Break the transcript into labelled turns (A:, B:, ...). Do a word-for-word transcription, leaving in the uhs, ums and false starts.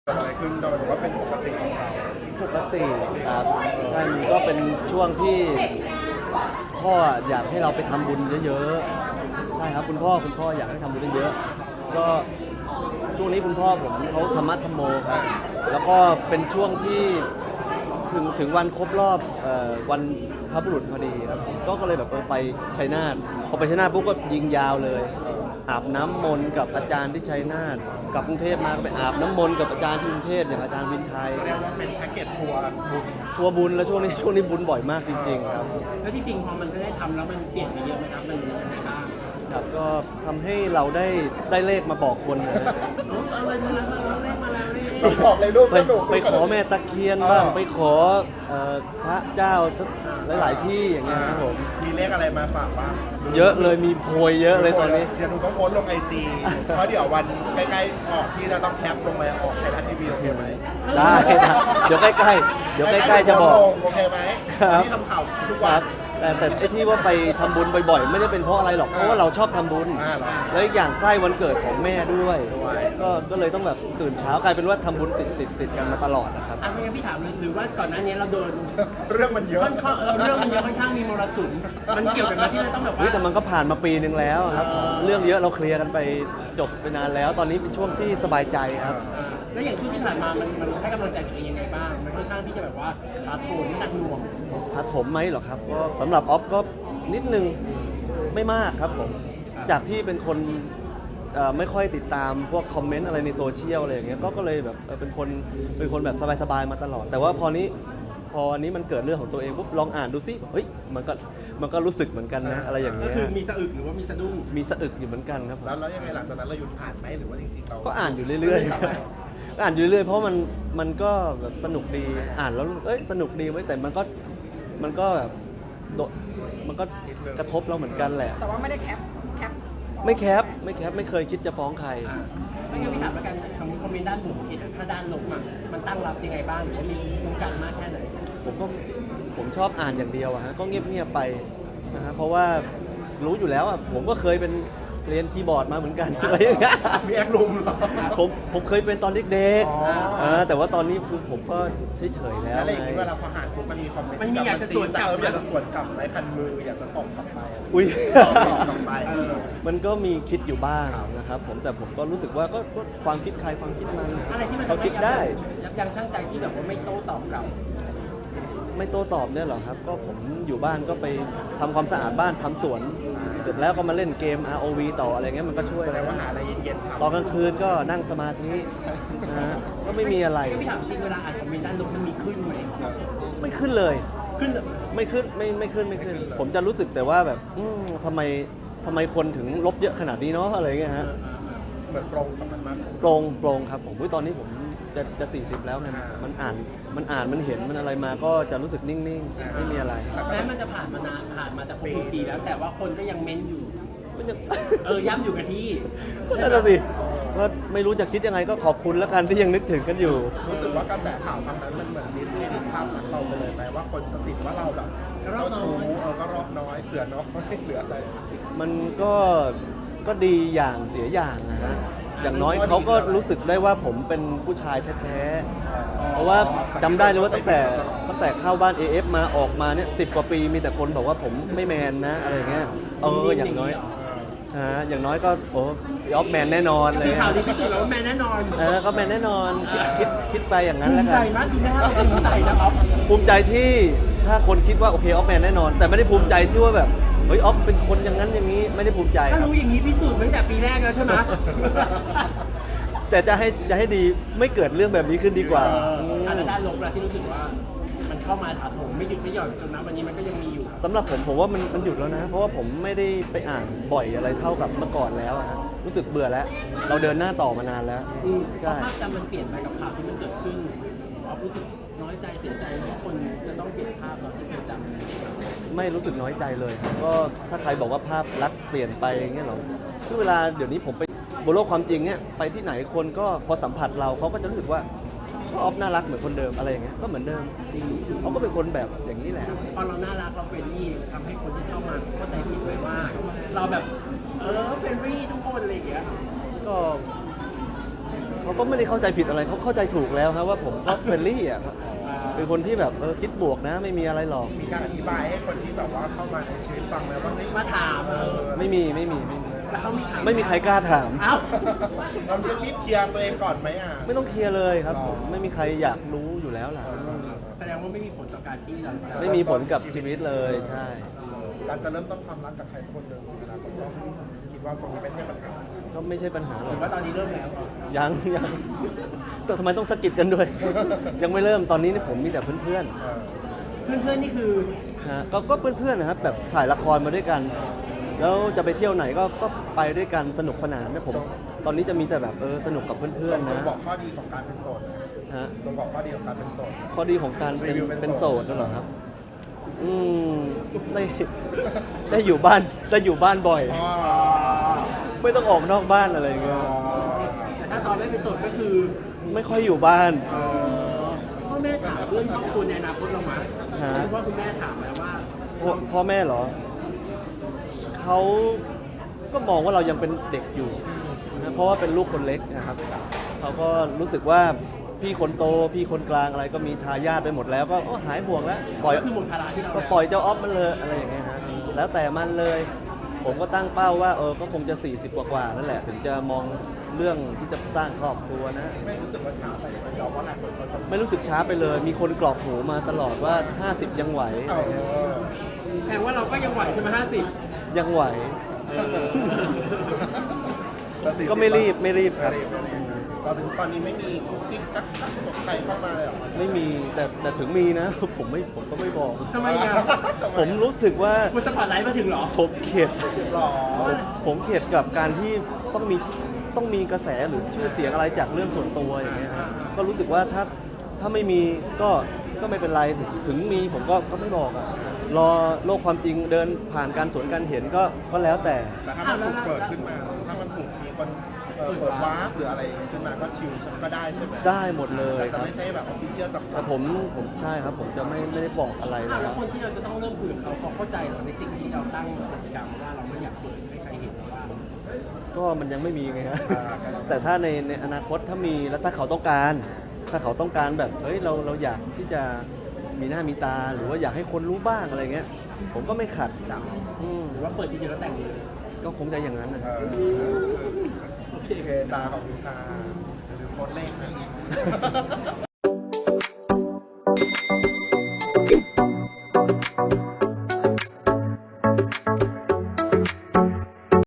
A: เกิดอะไรขึ้นเราบอกว่าเป็นปกติของเรา
B: ปกติครับใช่มันก็เป็นช่วงที่พ่ออยากให้เราไปทำบุญเยอะๆใช่ครับคุณพ่อคุณพ่ออยากให้ทำบุญเยอะๆก็ช่วงนี้คุณพ่อผมเขาธรรมะธรรมโมครับแล้วก็เป็นช่วงที่ถึงถึงวันครบรอบเอ่อวันพระบุรุษพอดีครับก็ก็เลยแบบเออไปชัยนาทพอไปชัยนาทปุ๊บก็ยิงยาวเลยอาบน้ำมนต์กับอาจารย์ที่ชัยนาทกลับกรุงเทพมาก็ไปอาบน้ำมนต์กับอาจารย์ที่กรุงเทพอย่างอาจารย์วินไทย
A: เรียกว่าเป็นแพ็กเกจทัวร์บุญ
B: ทัวร์บุญแล้วช่วงนี้ช่วงนี้บุญบ่อยมากจริงๆครับ
C: แล้วจริงๆพอมันได้ทำแล้วมันเปลี่ยนไปเยอะไหมครับมันยังไงบ้าง
B: ครับก็ทำให้เราได้ได้เลขมาบอกคนนะ
C: อะไรมาแล้วมาแล้วเลขมาแล้วเลข
A: บอกเลยลูก
B: ไปไปขอแม่ตะเคียนบ้างไปขอพระเจ้าหลายๆที่อย่างเงี้ยครับผม
A: มีเลขอะไรมาฝากบ้าง
B: เยอะเลยมีโพยเยอะเลยตอนนี้
A: เดี๋ยวหนูต้องโพสต์ลงไอจีเพราะเดี๋ยววันใกล้ๆออกพี่จะต้องแคปลงมาออกไทยรัฐทีวีโอเคไหม
B: ได้เดี๋ยวใกล้ๆเดี๋ยวใกล้ๆจะบอก
A: โอเคไหมที่ทำข่าวทุกวัน
B: แต่แต่ไอ้ที่ว่าไปทำบุญบ่อยๆไม่ได้เป็นเพราะอะไรหรอกเพราะว่าเราชอบทำบุญแล้วอย่างใกล้วันเกิดของแม่ด้วยก็ก็เลยต้องแบบตื่นเช้ากลายเป็นว่าทำบุญติดติดติดกันมาตลอดนะครับ
C: อ่ะไม่งั้นพี่ถามเลยหรือว่าก่อนหน้านี้เราโดน
A: เรื่องมันเยอะ
C: ค่อนข้างเรื่องมันเยอะค่อนข้างมีมรสุมมันเกี่ยวกับที่เราต้องแบบว่า
B: แต่มันก็ผ่านมาปีนึงแล้วครับเรื่องเยอะเราเคลียร์กันไปจบไปนานแล้วตอนนี้เป็นช่วงที่สบายใจครับ
C: แล้วอย่างช่วงที่ผ่านมามันมันให้กำลังใจตัวเองยังไงบ้างมันค่อนข้างที่จะแบบว่าถาโถมหนักหน่วง
B: ถาโถมไหมหรอครับก็สำหรับออฟก็นิดนึงไม่มากครับผมจากที่เป็นคนไม่ค่อยติดตามพวกคอมเมนต์อะไรในโซเชียลอะไรอย่างเงี้ยก็ก็เลยแบบเป็นคนเป็นคนแบบสบายๆมาตลอดแต่ว่าพอนี้พอนี้มันเกิดเรื่องของตัวเองปุ๊บลองอ่านดูซิเฮ้ยมันก็มันก็รู้สึกเหมือนกันนะอะไรอย่างเงี้ย
C: ก็คือมีสะอึกหรือว่ามีสะดุ้ง
B: มีสะอึกอยู่เหมือนกันครับ
A: แล้วแล้วยังไงหลังจากนั้นเราหยุดอ่านไหมหรือว่าจริงๆเรา
B: ก็อ่านอยู่เรื่อยๆก็อ่านอยู่เรื่อยๆเพราะมันมันก็แบบสนุกดีอ่านแล้วเอ้ยสนุกดีไว้แต่มันก็มันก็แบบมันก็กระทบเราเหมือนกันแหละ
D: แต่ว่าไม่ได้แคปแคป
B: ไม่แคปไม่แคปไม่เคยคิดจะฟ้องใคร
C: ไม่งั้นพี่ถามแล้วกันคอมเมนต์ด้านบวกถ้าด้านลบอ่ะมันตั้งรับยังไงบ้างหรือว่ามีโครงการมากแค่ไหน
B: ผมก็ผมชอบอ่านอย่างเดียวอะฮะก็เงียบๆไปนะฮะเพราะว่ารู้อยู่แล้วอะผมก็เคยเป็นเรียนคีย์บอร์ดมาเหมือนกันอะไรอย่างเงี้ย
A: มีแอคลุมเหรอ
B: ผมผมเคยเป็นตอนเด็กๆแต่ว่าตอนนี้คือผมก็เฉยๆแล้ว
A: อะไรอย่างนี้เวลาพออ่านปุ๊บมันมีคอมเมนต์
C: มันมีอยากจะสวนกลับ
A: อยากจะสวนกลับไหมคันมืออยากจะตบกลับไป
B: อุ้ย
A: ตอบกลับไป
B: มันก็มีคิดอยู่บ้างนะครับผมแต่ผมก็รู้สึกว่าก็ความคิดใครความคิดมัน
C: อะไรที่มัน
B: เขาคิดได้
C: ยับยั้งชั่งใจที่แบบว่าไม่โต้ตอบกลับ
B: ไม่โต้ตอบเนี่ยหรอครับก็ผมอยู่บ้านก็ไปทำความสะอาดบ้านทำสวนเสร็จแล้วก็มาเล่นเกม อาร์ โอ วี ต่ออะไรเงี้ยมันก็ช่วย
A: แสดงว่าหาอะไรเย็นๆ
B: ตอนกลางคืนก็นั่งสมาธินะฮะก็ไม่มีอะไร
C: พี่ถามจริงเวลาอ่านคอมเมนต์ด้านลบมันมีขึ้นไหม
B: ไม่ขึ้นเลย
C: ขึ้น
B: ไม่ขึ้นไม่ไม่ขึ้นไม่ขึ้นผมจะรู้สึกแต่ว่าแบบทำไมทำไมคนถึงลบเยอะขนาดนี้เนาะอะไรเงี้ยฮะ
A: เหมือนโปร่งกับมันมาก
B: โปร่งโปร่งครับผมตอนนี้ผมจะจะสี่สิบแล้วไงมันอ่านมันอ่านมันเห็นมันอะไรมาก็จะรู้สึกนิ่งๆไม่มีอะไร
C: แม้มันจะผ่านมานานผ่านมาจะครบปีแล้วแต่ว่าคนก็ยังเม้นอยู่
B: มันยัง
C: เออย้ำอยู่กับที่
B: นั่นแหละสิก็ไม่รู้จะคิดยังไงก็ขอบคุณแล้วกันที่ยังนึกถึงกันอยู่
A: รู้สึกว่ากระแสข่าวคำนั้นมันเหมือนดิสเครดิตภาพลักษณ์เราไปเลยไหมว่าคนจะติดว่าเราแบบเราชู้เออก็รอบน้อยเสือน้อยเหลืออะไร
B: มันก็ก็ดีอย่างเสียอย่างนะฮะอย่างน้อยเขาก็รู้สึกได้ว่าผมเป็นผู้ชายแท้ๆเพราะว่าจำได้เลยว่าตั้งแต่ตั้งแต่เข้าบ้าน เอ เอฟ มาออกมาเนี่ยสิบกว่าปีมีแต่คนบอกว่าผมไม่แมนนะอะไรเงี้ยเอออย่างน้อยฮะอย่างน้อยก็โอ้ยออฟแมนแน่นอนเลย
C: ข่าวนี้พิสูจน์แล้วว่าแมนแน่นอน
B: เออก็แมนแน่นอนคิดคิดคิดไปอย่างนั้นแล้วกัน
C: ภูมิใจมากดีนะเราภูมิใจนะครับ
B: ภูมิใจที่ถ้าคนคิดว่าโอเคออฟแมนแน่นอนแต่ไม่ได้ภูมิใจที่ว่าแบบเฮ้ยออฟเป็นคนอย่างนั้นอย่างนี้ไม่ได้ภูมิใจ
C: ถ้ารู้อย่างนี้พิสูจน์ตั้งแต่ปีแรกแล้วใช่ไหม
B: แต่จะให้จะให้ดีไม่เกิดเรื่องแบบนี้ขึ้นดีกว่า
C: อันด้านลบละที่รู้สึกว่ามันเข้ามาถาโถมไม่หยุดไม่หย่อนจนนะวันนี้มันก็ยังมีอยู่
B: สำหรับผมผมว่ามันมันหยุดแล้วนะเพราะว่าผมไม่ได้ไปอ่านบ่อยอะไรเท่ากับเมื่อก่อนแล้วฮะรู้สึกเบื่อแล้วเราเดินหน้าต่อมานานแล้ว
C: ใช่ภาพจำมันเปลี่ยนไปกับข่าวที่มันเกิดขึ้นเรารู้สึกน้อยใจเสียใจที่คนจะต้องเปลี่ยนภาพเราที่เคยจำ
B: ไม่รู้สึกน้อยใจเลยก็ถ้าใครบอกว่าภาพลักษณ์เปลี่ยนไปอย่างเงี้ยหรอคือเวลาเดี๋ยวนี้ผมไปบนโลกความจริงเนี่ยไปที่ไหนคนก็พอสัมผัสเราเขาก็จะรู้สึกว่าก็ออฟน่ารักเหมือนคนเดิมอะไรอย่างเงี้ยก็เหมือนเดิมเขาก็เป็นคนแบบอย่างนี้แหละ
C: ตอนเราน่ารักเราเฟรนลี่ทำให้คนที่เข้ามาเข้าใจผิดไปว่าเราแบบเออเฟรนลี่ทุกคนอะไรอย่างเงี้ย
B: ก็เขาเขาก็ไม่ได้เข้าใจผิดอะไรเขาเข้าใจถูกแล้วครับว่าผมก็เฟรนลี่อ่ะครับเป็นคนที่แบบเออคิดบวกนะไม่มีอะไรหรอก
A: มีการอธิบายให้คนที่แบบว่าเข้ามาในชีวิตฟังแล้วว่าเฮ้ย
C: มาถาม
A: เอ
C: เอ
A: อ
C: อ
B: ไม่มีไม่มีไม่มี
C: แล้วเขามีถาม
B: ไม่มีใครกล้าถาม
C: เอ้า
A: เราจะรีบเคลียร์ตัวเองก่อนไหมอ่ะ
B: ไม่ต้องเคลียร์เลยครับ
A: หรอ
B: ผมไม่มีใครอยากรู้อยู่แล้วล่ะ
C: แสดงว่าไม่มีผลต่อการที่เราจะ
B: ไม่มีผลกับชีวิตเลยใช่
A: การจะเริ่มต้นความรักกับใครสักคนหนึ่งอนาคตก็คิดว่าตรงนี้ไม่ใช่ปัญหา
B: ก็ไม่ใช่ปัญหาหร
C: ผ
B: อก
C: มว่าตอนนี้เริ่มแล้ว
B: ยังยังแต่ทำไมต้องสะกิดกันด้วย ยังไม่เริ่มตอนนี้นี่ผมมีแต่เพื่อน
A: เออ
C: เพื่อนๆนี่คือ
B: ๆนะฮะก็ก็เพื่อนๆนะครับแบบถ่ายละครมาด้วยกัน แล้วจะไปเที่ยวไหนก็ก็ไปด้วยกันสนุกสนานนะผมตอนนี้จะมีแต่แบบเออสนุกกับเพื่อนๆ
A: จง
B: นะ
A: บอกข้อดีของการเป็นโสดนะ
B: ฮะ
A: จงบอกข้อดีของการเป็นโสด
B: ข้อดีของการเป็น
A: รีวิวเป็น
B: เป็น
A: โส
B: โส
A: ด
B: ดนั่นเหรอครับ อืมได้ได้อยู่บ้านได้อยู่บ้านบ่อย
A: อ๋อ
B: ไม่ต้องออกนอกบ้านอะไรอย่างเงี้ย
C: แต่ถ้าตอนไม่เป็นโสดก็คือ
B: ไม่ค่อยอยู่บ้าน
C: เอ่อพ่อแม่ถามเรื่องครอบครัวในอนาคตเราไหม
B: ฮะ
C: หรือว่าคุณแม่ถามไหมว่า
B: พ่อพ่อแม่เหรอ เขาก็มองว่าเรายังเป็นเด็กอยู่นะเพราะว่าเป็นลูกคนเล็กนะครับ เขาก็รู้สึกว่าพี่คนโต พี่คนกลางอะไรก็มีทายาทไปหมดแล้วก็โอ้หายห่วงแล้ว ปล่อย
C: ก็คือหมดภาระที่เรา
B: ก็
C: แล้ว
B: ปล่อยเจ้าออฟมันเลยอะไรอย่างเงี้ยฮะ แล้วแต่มันเลย ผมก็ตั้งเป้าว่าเออ ก็คงจะ สี่สิบ กว่าๆนั่นแหละ ถึงจะมองเรื่องที่จะสร้างครอบครัวนะ
A: ไม่รู้สึกว่าช้าไปไหมยอมว่าหลายคนเขาจะ
B: ไม่รู้สึกช้าไปเลย มีคนกรอกหูมาตลอดว่า ห้าสิบ ยังไหว
A: เออ
C: แสดงว่าเราก็ยังไหวใช่ไหมห้าสิบ
B: ยังไหว
A: แต่สี่สิ
B: ก็ไม่รีบไม่รีบครับ
A: ไม่รีบไม่รีบตอนนี้ตอนนี้ไม่มีกุ๊กกิ๊กกักกักตกใครเข้ามาเลยเหรอ
B: ไม่มีแต่แต่ถึงมีนะ ผมไม่ผมก็ไม่บอก
C: ทำไมอ่ะ
B: ผมรู้สึกว่า
C: คุณสปอตไลท์มาถึงเหรอ
B: ผมเข็ด
A: หรอ
B: ผมเข็ดกับการที่ต้องมีต้องมีกระแสหรือชื่อเสียงอะไรจากเรื่องส่วนตัวอย่างเงี้ยฮะก็รู้สึกว่าถ้าถ้าไม่มีก็ก็ไม่เป็นไรถึงมีผมก็ก็ไม่บอกอ่ะรอโลกความจริงเดินผ่านการสวนการเห็นก็ก็แล้วแต่
A: แต่ถ้ามันถูกเปิดขึ้นมา ถ้ามันถูกมีคนเอ่อเปิดวาร์ปหรืออะไรขึ้นมาก็ชิลก็ได้ใช่ไหม
B: ได้หมดเลย
A: แต่
B: ค
A: จะ
B: รับ
A: ไม่ใช่แบบออฟฟิเชียลจับ
B: แต่ผมผมใช่ครับ ผมจะไม่ไม่ได้บอกอะไร
C: อ่ะ
B: นะค
C: แล้
B: รั
C: ว
B: บ
C: คนที่เราจะต้องเริ่มคุยกับเขาเขาเข้าใจเหรอในสิ่งที่เราตั้งกติกาว่าเราไม่อยากเปิดให้ใครเห็นว่า
B: ก็มันยังไม่มีไงฮะ แต่ถ้าในในอนาคตถ้ามีแล้วถ้าเขาต้องการ ถ้าเขาต้องการแบบเฮ้ยเราเราอยากที่จะมีหน้ามีตาหรือว่าอยากให้คนรู้บ้างอะไรเงี้ย ผมก็ไม่ขัดอืม
C: หรือว่าเปิดทีเดียวแล้วแต่งเลย
B: ก็คงจะอย่างนั้นนะ
A: เออโอเคตาของคุณตาหรือโพสต์เลขนะ